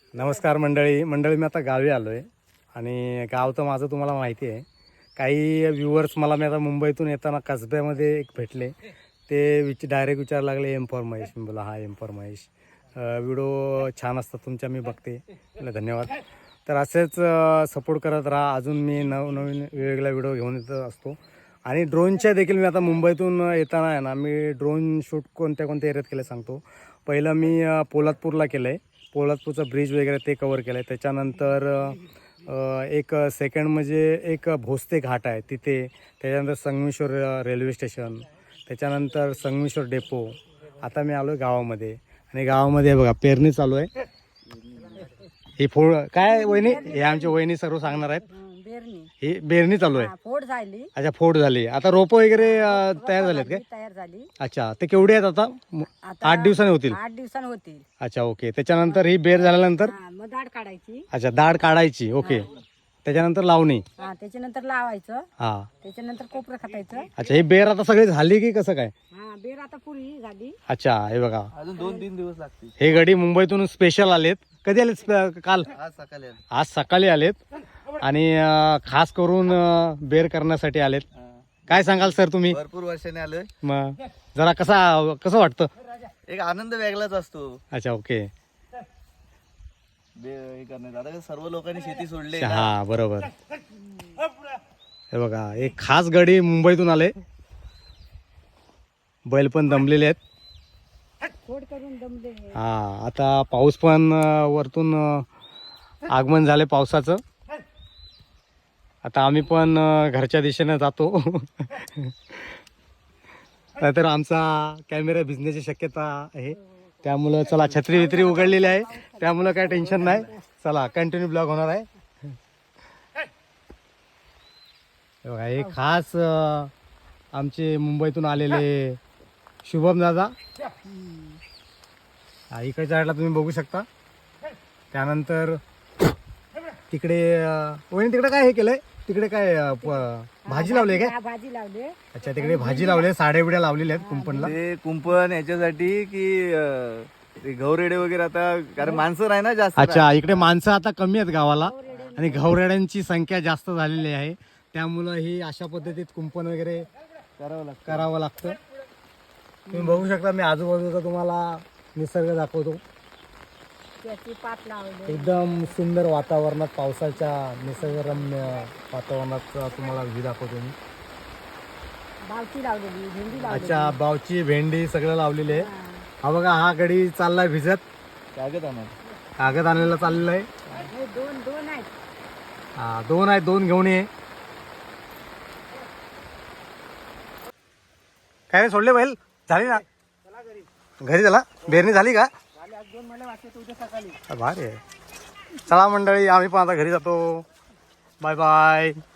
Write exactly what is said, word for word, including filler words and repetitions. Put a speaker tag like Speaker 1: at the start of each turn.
Speaker 1: नमस्कार मंडळी मंडळी मी आता गावी आलो आहे आणि गाव तर माझं तुम्हाला माहिती आहे. काही व्ह्युअर्स मला मी आता मुंबईतून येताना कसब्यामध्ये एक भेटले. ते विच डायरेक्ट विचारायला लागले एम फॉर महेश. मी बोला हा एम फॉर महेश. व्हिडिओ छान असतात तुमच्या, मी बघते. मला धन्यवाद. तर असेच सपोर्ट करत राहा. अजून मी नवनवीन वेगवेगळ्या व्हिडिओ घेऊन येत असतो. आणि ड्रोनच्या देखील मी आता मुंबईतून येताना आहे ना, मी ड्रोन शूट कोणत्या कोणत्या एरियात केलं सांगतो. पहिलं मी पोलादपूरला केलं आहे. पोलादपूरचा ब्रिज वगैरे ते कवर केलं आहे. त्याच्यानंतर एक सेकंड म्हणजे एक भोसते घाट आहे तिथे. त्याच्यानंतर संगमेश्वर रेल्वे स्टेशन, त्याच्यानंतर संगमेश्वर डेपो. आता मी आलो आहे गावामध्ये आणि गावामध्ये बघा पेरणी चालू आहे. ही फोड काय वहिनी, हे आमची वहिनी सर्व सांगणार आहेत. ही बेरणी चालू आहे.
Speaker 2: फोड झाली.
Speaker 1: अच्छा, फोड झाली. आता रोप वगैरे तयार झालेत काय?
Speaker 2: तयार झाली.
Speaker 1: अच्छा, ते केवढे आहेत आता? आठ दिवसांनी होतील.
Speaker 2: आठ दिवसांनी होतील.
Speaker 1: अच्छा, ओके. त्याच्यानंतर ही बेर झाल्यानंतर
Speaker 2: हा, मग दाढ काढायची.
Speaker 1: अच्छा, दाढ काढायची. ओके. त्याच्यानंतर लावणी.
Speaker 2: हा, त्याच्यानंतर लावायचं.
Speaker 1: हा,
Speaker 2: त्याच्यानंतर कोपरं खातायचं.
Speaker 1: अच्छा, ही बेर आता सगळी झाली की कसं काय?
Speaker 2: हा, बेर आता पुरी झाली.
Speaker 1: अच्छा, हे बघा,
Speaker 3: अजून दोन तीन दिवस लागतील.
Speaker 1: हे गडी मुंबईतून स्पेशल आलेत. कधी आलेत? स्प- काल
Speaker 3: आज सकाळी आलो.
Speaker 1: आज सकाळी आलेत आणि अं, खास करून अं, बेर करण्यासाठी आलेत. काय सांगाल सर तुम्ही?
Speaker 3: भरपूर वर्षाने आलोय.
Speaker 1: मग जरा कसा कसं वाटतं?
Speaker 3: एक आनंद वेगळाच असतो
Speaker 1: अच्छा, ओके.
Speaker 3: बे- हे करण्यात आता कसं सर्व लोकांनी शेती सोडली
Speaker 1: हा, बरोबर. हे बघा, एक खास गडी मुंबईतून आले. बैल पण दमलेले आहेत.
Speaker 2: फोड करून दमले.
Speaker 1: हा, आता पाऊस पण अं, वरतून अं, आगमन झाले पावसाचं. आता आम्ही पण अं, घरच्या दिशेने जातो. नाहीतर आमचा कॅमेरा भिजण्याची शक्यता आहे. त्यामुळं चला, छत्री वित्री उघडलेली आहे त्यामुळं काय टेन्शन नाही. चला, कंटिन्यू ब्लॉग होणार आहे. हे बघा, हे खास अं, आमचे मुंबईतून आलेले शुभम दादा. हा, इकडच्या साईडला तुम्ही बघू शकता. त्यानंतर तिकडे अं, वहिनी तिकडे काय हे केलंय? तिकडे काय अं, प- भाजी लावली काय?
Speaker 2: हा, भाजी लावली.
Speaker 1: अच्छा, तिकडे भाजी लावली, साड्या बिड्या लावलेल्या आहेत कुंपणला.
Speaker 3: ते कुंपण याच्यासाठी की अं, ते गौरेडे वगैरे आता कारण माणसं नाही ना जास्त.
Speaker 1: अच्छा, इकडे माणसं आता कमी आहेत गावाला आणि घवरेड्यांची संख्या जास्त झालेली आहे. त्यामुळं ही अशा पद्धतीत कुंपण वगैरे
Speaker 3: करावं लागतं.
Speaker 1: करावं लागतं. तुम्ही बघू शकता, मी आजूबाजूचा तुम्हाला निसर्ग दाखवतो.
Speaker 2: त्याची पात लावली.
Speaker 1: एकदम सुंदर वातावरणात, पावसाच्या निसर्गरम्य वातावरणात तुम्हाला व्ह्यू दाखवतो मी.
Speaker 2: बावची लावलेली, भेंडी लावली.
Speaker 1: अच्छा, बावची, भेंडी सगळं लावलेले आहे. हा बघा, हा गडी चाललाय भिजत.
Speaker 3: कागद आणा.
Speaker 1: कागद आणायला चाललेलं आहे.
Speaker 2: हे दोन दोन आहेत.
Speaker 1: हा, दोन आहेत, दोन घेऊन ये. काय रे, सोडले बैल? झाली ना घरी? झाला बेरणी झाली का? भारी आहे. चला मंडळी, आम्ही पण आता घरी जातो. Bye bye.